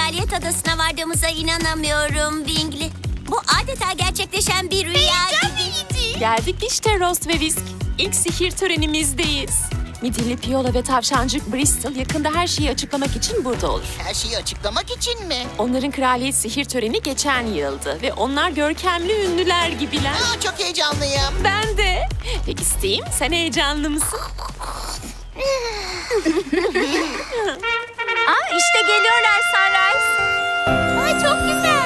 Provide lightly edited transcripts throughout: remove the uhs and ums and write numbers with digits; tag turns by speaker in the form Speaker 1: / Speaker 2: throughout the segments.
Speaker 1: Kraliyet Adası'na vardığımıza inanamıyorum Bingley. Bu adeta gerçekleşen bir rüya gibi.
Speaker 2: Geldik işte Rost ve Whisk. İlk sihir törenimizdeyiz. Midilli Piola ve tavşancık Bristol yakında her şeyi açıklamak için burada olur.
Speaker 3: Her şeyi açıklamak için mi?
Speaker 2: Onların kraliyet sihir töreni geçen yıldı ve onlar görkemli ünlüler gibiler.
Speaker 3: Çok heyecanlıyım.
Speaker 2: Ben de. Peki Steam, sen heyecanlı mısın?
Speaker 1: İşte geliyorlar Sunrise. Ay çok güzel.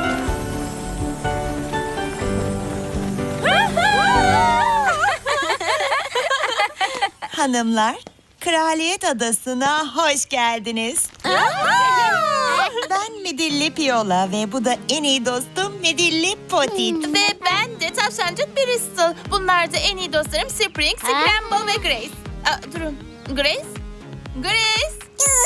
Speaker 4: Hanımlar, Kraliyet Adası'na hoş geldiniz. Ben Midilli Piola ve bu da en iyi dostum Midilli Potit.
Speaker 5: Ve ben de tavşancık Bristol. Bunlar da en iyi dostlarım Spring, Scramble ve Grace. Durun. Grace? Grace?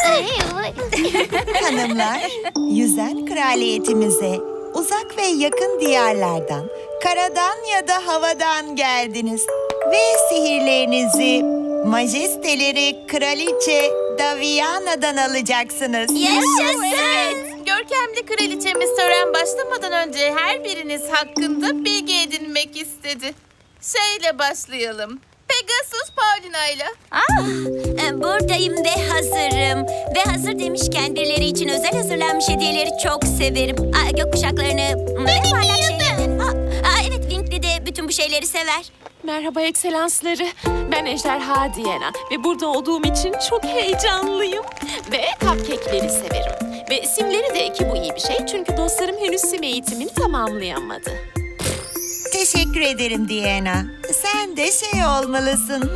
Speaker 4: Hanımlar, yüzen kraliyetimize uzak ve yakın diyarlardan, karadan ya da havadan geldiniz. Ve sihirlerinizi majesteleri Kraliçe Daviana'dan alacaksınız.
Speaker 5: Evet. Görkemli kraliçemiz tören başlamadan önce her biriniz hakkında bilgi edinmek istedi. Şeyle başlayalım. Pegasus Paulina'yla.
Speaker 1: Buradayım ve hazırım. Ve hazır demişken birileri için özel hazırlanmış hediyeleri çok severim. Gökkuşaklarını ve parlak şeyleri. Evet, Bingley de bütün bu şeyleri sever.
Speaker 2: Merhaba ekselansları. Ben Ejderha Diana ve burada olduğum için çok heyecanlıyım. Ve cupcake'leri severim. Ve simleri de ki bu iyi bir şey çünkü dostlarım henüz sim eğitimini tamamlayamadı.
Speaker 4: Teşekkür ederim Diana. Sen de şey olmalısın.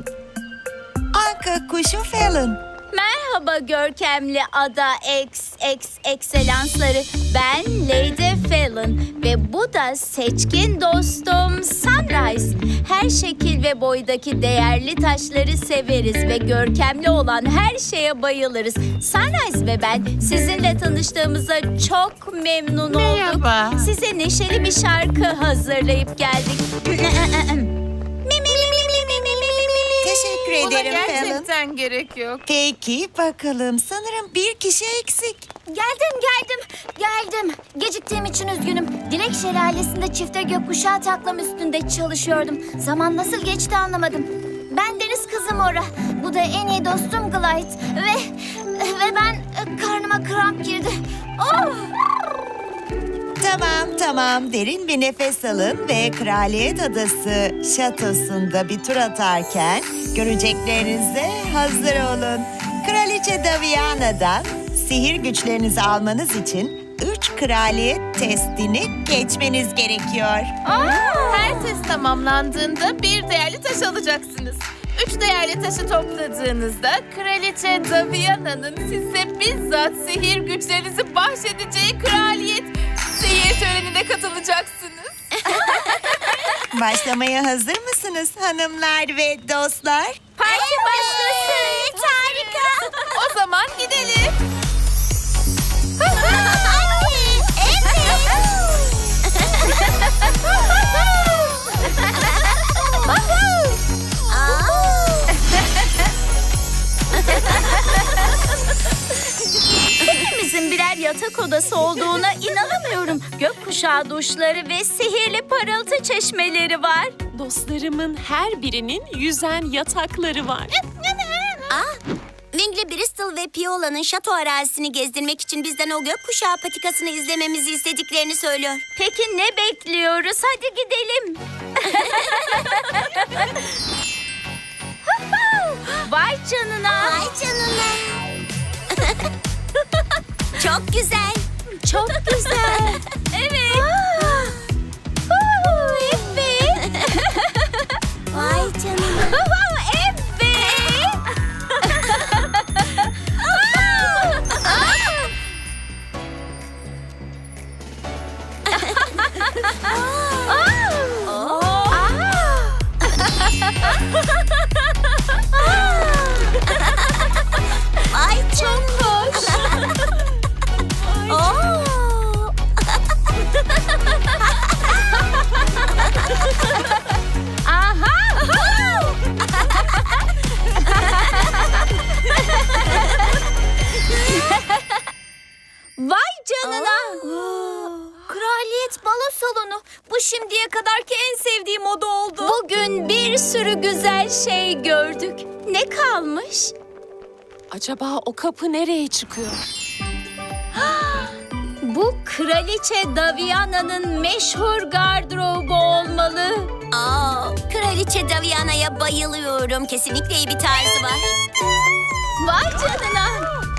Speaker 4: Anka kuşu Fallon.
Speaker 6: Merhaba görkemli ada ekselansları. Ben Lady Fallon ve bu da seçkin dostum Sunrise. Her şekil ve boydaki değerli taşları severiz ve görkemli olan her şeye bayılırız. Sunrise ve ben sizinle tanıştığımıza çok memnun olduk.
Speaker 5: Merhaba.
Speaker 6: Size neşeli bir şarkı hazırlayıp geldik.
Speaker 4: Teşekkür
Speaker 5: Buna
Speaker 4: ederim Fallon.
Speaker 5: gerçekten gerek yok.
Speaker 4: Peki bakalım, sanırım bir kişi eksik.
Speaker 6: Geldim. Geciktiğim için üzgünüm. Dilek Şelalesi'nde çifte gökkuşağı taklam üstünde çalışıyordum. Zaman nasıl geçti anlamadım. Ben deniz kızı Mora. Bu da en iyi dostum Glide. Ve ben karnıma kramp girdi. Oh!
Speaker 4: Tamam. Derin bir nefes alın ve Kraliyet Adası şatosunda bir tur atarken göreceklerinize hazır olun. Kraliçe Daviana'dan sihir güçlerinizi almanız için 3 kraliyet testini geçmeniz gerekiyor.
Speaker 5: Her test tamamlandığında bir değerli taş alacaksınız. 3 değerli taşı topladığınızda Kraliçe Daviana'nın size bizzat sihir güçlerinizi bahşedeceği kraliyet sihir törenine katılacaksınız.
Speaker 4: Başlamaya hazır mısınız hanımlar ve dostlar?
Speaker 6: Parti başlasın.
Speaker 1: Harika.
Speaker 5: O zaman gidelim.
Speaker 6: Hepimizin birer yatak odası olduğuna inanamıyorum. Gökkuşağı duşları ve sihirli parıltı çeşmeleri var.
Speaker 2: Dostlarımın her birinin yüzen yatakları var.
Speaker 1: Bingley, Bristol ve Piola'nın şato arazisini gezdirmek için bizden o gökkuşağı patikasını izlememizi istediklerini söylüyor.
Speaker 6: Peki ne bekliyoruz? Hadi gidelim. Vay canına.
Speaker 1: Çok güzel.
Speaker 6: Çok güzel. Evet. Evet.
Speaker 1: Vay canına.
Speaker 6: Evet.
Speaker 1: Ay çok hoş. Oo. Şimdiye kadarki en sevdiğim oda oldu.
Speaker 6: Bugün bir sürü güzel şey gördük. Ne kalmış?
Speaker 2: Acaba o kapı nereye çıkıyor?
Speaker 6: Bu Kraliçe Daviana'nın meşhur gardırobu olmalı.
Speaker 1: Kraliçe Daviana'ya bayılıyorum. Kesinlikle iyi bir tarzı var.
Speaker 6: Vay canına.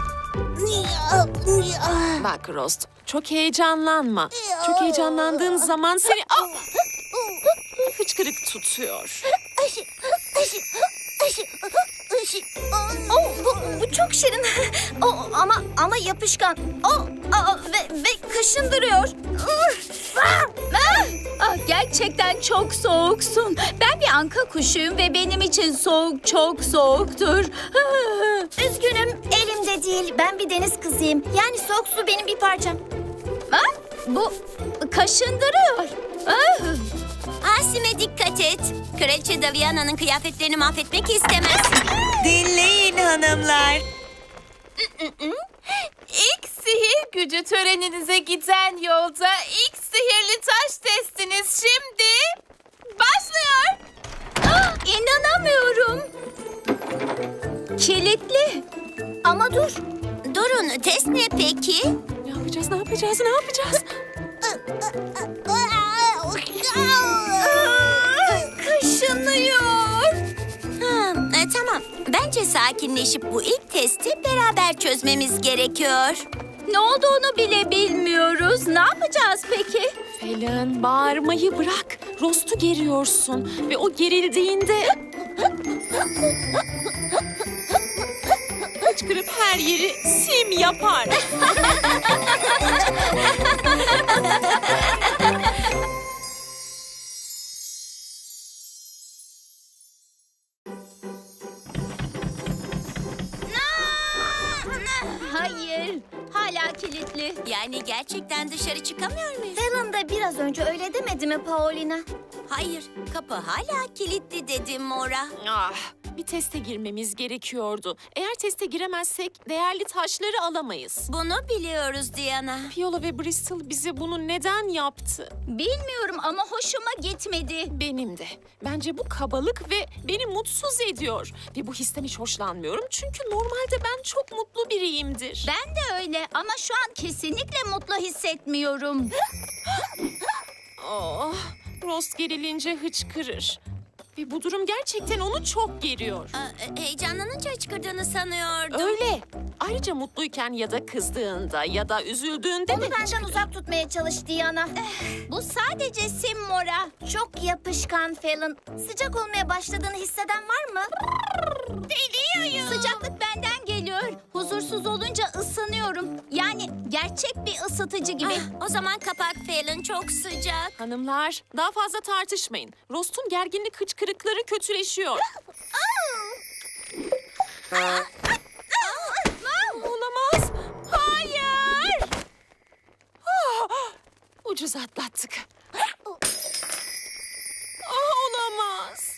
Speaker 2: Bak Rost, çok heyecanlanma. Çok heyecanlandığın zaman seni... Hıçkırık tutuyor.
Speaker 1: Bu çok şirin. Ama yapışkan. Ve kaşındırıyor.
Speaker 6: Gerçekten çok soğuksun. Ben bir anka kuşuyum ve benim için soğuk çok soğuktur.
Speaker 1: Üzgünüm, elimde değil. Ben bir deniz kızıyım. Yani soğuk su benim bir parçam.
Speaker 6: Bu kaşındırıyor.
Speaker 1: Asim'e dikkat et. Kraliçe Daviana'nın kıyafetlerini mahvetmek istemezsin.
Speaker 4: Dinleyin hanımlar.
Speaker 5: İlk sihir gücü töreninize giden yolda ilk sihirli taş testiniz şimdi başlıyor.
Speaker 6: İnanamıyorum. Kilitli.
Speaker 1: Ama durun, test ne peki?
Speaker 2: Ne yapacağız, ne yapacağız, ne yapacağız?
Speaker 1: Kaşınıyor. Tamam. Bence sakinleşip bu ilk testi beraber çözmemiz gerekiyor.
Speaker 6: Ne olduğunu bile bilmiyoruz. Ne yapacağız peki?
Speaker 2: Fallon, bağırmayı bırak. Rost'u geriyorsun ve o gerildiğinde... Hıçkırıp her yeri sim yapar.
Speaker 6: Hayır. Hala kilitli.
Speaker 1: Yani gerçekten dışarı çıkamıyor muyuz?
Speaker 7: Helen de biraz önce öyle demedi mi Paulina?
Speaker 1: Hayır, kapı hala kilitli dedim Mora.
Speaker 2: Bir teste girmemiz gerekiyordu. Eğer teste giremezsek değerli taşları alamayız.
Speaker 1: Bunu biliyoruz Diana.
Speaker 2: Fiyola ve Bristol bize bunu neden yaptı?
Speaker 6: Bilmiyorum ama hoşuma gitmedi.
Speaker 2: Benim de. Bence bu kabalık ve beni mutsuz ediyor. Ve bu histen hiç hoşlanmıyorum. Çünkü normalde ben çok mutlu biriyimdir.
Speaker 6: Ben de öyle ama şu an kesinlikle mutlu hissetmiyorum.
Speaker 2: Oh, Rost gerilince hıçkırır. Ve bu durum gerçekten onu çok geriyor.
Speaker 1: Heyecanlanınca hıçkırdığını sanıyordum.
Speaker 2: Öyle. Ayrıca mutluyken ya da kızdığında ya da üzüldüğünde
Speaker 7: Onu
Speaker 2: de
Speaker 7: benden uzak tutmaya çalış Diana.
Speaker 6: Bu sadece sim Mora.
Speaker 7: Çok yapışkan Fallon. Sıcak olmaya başladığını hisseden var mı?
Speaker 6: Sıcaklık benden geliyor. Huzursuz olunca ısınıyorum. Yani gerçek bir ısıtıcı gibi.
Speaker 1: O zaman kapak Fallon, çok sıcak.
Speaker 2: Hanımlar, daha fazla tartışmayın. Rost'un gerginlik hıçkırıkları kötüleşiyor. Olamaz. Hayır. Ucuz atlattık. Olamaz.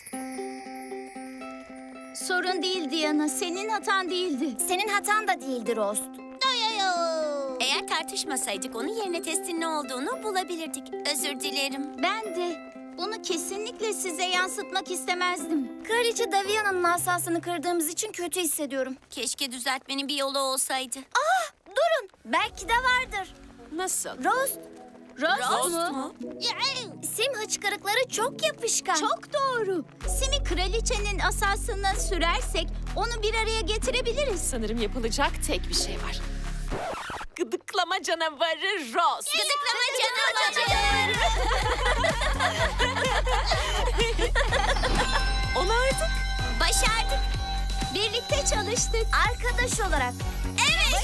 Speaker 6: Sorun değil Diana. Senin hatan değildi.
Speaker 7: Senin hatan da değildir Rost.
Speaker 1: Eğer tartışmasaydık onun yerine testin ne olduğunu bulabilirdik. Özür dilerim.
Speaker 6: Ben de. Bunu kesinlikle size yansıtmak istemezdim.
Speaker 7: Kraliçe Daviana'nın asasını kırdığımız için kötü hissediyorum.
Speaker 1: Keşke düzeltmenin bir yolu olsaydı.
Speaker 7: Durun, belki de vardır.
Speaker 2: Nasıl?
Speaker 7: Rost,
Speaker 6: Rost mu?
Speaker 7: sim hıçkırıkları çok yapışkan.
Speaker 6: Çok doğru. Simi kraliçenin asasına sürersek onu bir araya getirebiliriz.
Speaker 2: Sanırım yapılacak tek bir şey var. Gıdıklama canavarı Rost.
Speaker 1: Gıdıklama canavarı.
Speaker 2: Onardık.
Speaker 1: Başardık.
Speaker 6: Birlikte çalıştık.
Speaker 7: Arkadaş olarak.
Speaker 1: Evet,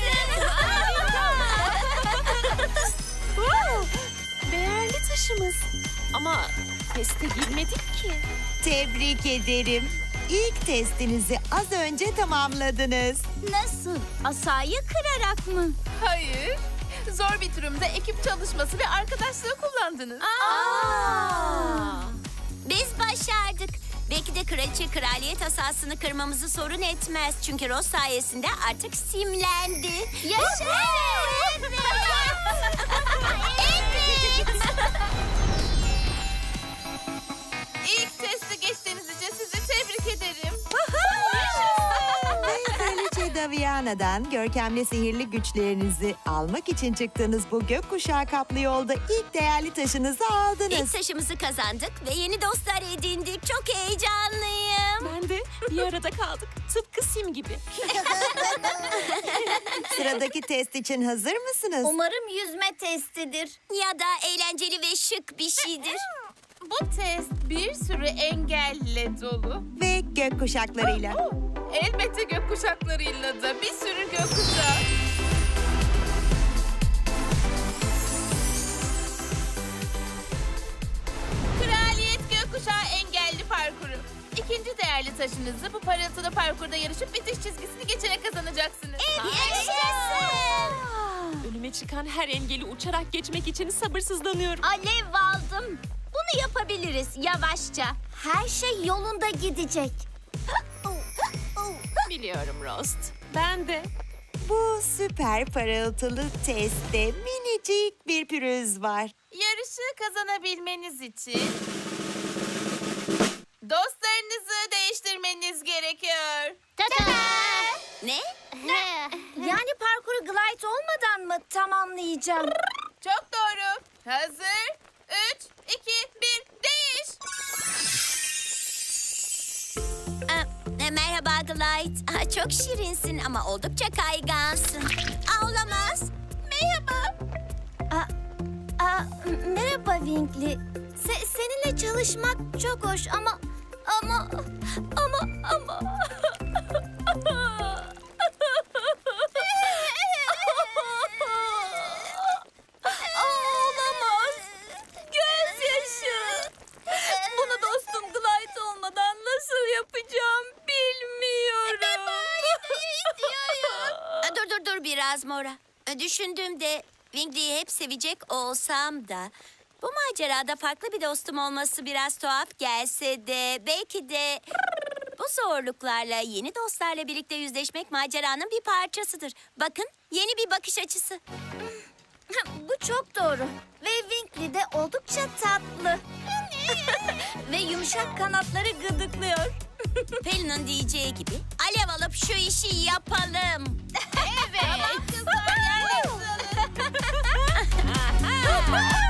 Speaker 2: Değerli taşımız. Ama teste girmedik ki.
Speaker 4: Tebrik ederim. İlk testinizi az önce tamamladınız.
Speaker 6: Nasıl? Asayı kırarak mı?
Speaker 5: Hayır. Zor bir durumda ekip çalışması ve arkadaşlığı kullandınız.
Speaker 1: Biz başardık. Belki de kraliçe kraliyet asasını kırmamızı sorun etmez. Çünkü Ross sayesinde artık simlendi.
Speaker 6: Yaşasın!
Speaker 1: Evet.
Speaker 4: Daviana'dan görkemli sihirli güçlerinizi almak için çıktığınız bu gökkuşağı kaplı yolda ilk değerli taşınızı aldınız.
Speaker 1: İlk taşımızı kazandık ve yeni dostlar edindik. Çok heyecanlıyım.
Speaker 2: Ben de bir arada kaldık. Tıpkı Sim gibi.
Speaker 4: Sıradaki test için hazır mısınız?
Speaker 7: Umarım yüzme testidir.
Speaker 1: Ya da eğlenceli ve şık bir şeydir.
Speaker 5: Bu test bir sürü engelle dolu.
Speaker 4: Ve gökkuşaklarıyla.
Speaker 5: Elbette gökkuşaklarıyla da bir sürü gökkuşağı. Kraliyet Gökkuşağı engelli parkuru. İkinci değerli taşınızı bu parıltılı parkurda yarışıp bitiş çizgisini geçerek kazanacaksınız.
Speaker 2: Önüme çıkan her engeli uçarak geçmek için sabırsızlanıyorum.
Speaker 6: Alev aldım. Bunu yapabiliriz yavaşça.
Speaker 7: Her şey yolunda gidecek.
Speaker 2: Biliyorum Rost. Ben de.
Speaker 4: Bu süper parıltılı testte minicik bir pürüz var.
Speaker 5: Yarışı kazanabilmeniz için dostlarınızı değiştirmeniz gerekiyor.
Speaker 1: Ne?
Speaker 7: Yani parkuru glide olmadan mı tamamlayacağım?
Speaker 5: Çok doğru. Hazır. 3, 2, 1, değiş.
Speaker 1: Merhaba Glide. Çok şirinsin ama oldukça kaygansın. Olamaz. Merhaba.
Speaker 7: Merhaba Winkley. Seninle çalışmak çok hoş ama...
Speaker 6: Olamaz. Gözyaşı. Bunu dostum Glide olmadan nasıl yapacağım bilmiyorum.
Speaker 1: Dur biraz Mora. Düşündüğümde Wingley'i hep sevecek olsam da bu macerada farklı bir dostum olması biraz tuhaf gelse de belki de bu zorluklarla yeni dostlarla birlikte yüzleşmek maceranın bir parçasıdır. Bakın yeni bir bakış açısı.
Speaker 7: Bu çok doğru. Ve Winkley de oldukça tatlı. Ve yumuşak kanatları gıdıklıyor.
Speaker 1: Pelin'in diyeceği gibi alev alıp şu işi yapalım.
Speaker 5: Evet. Tamam kızlar, yerleştirin.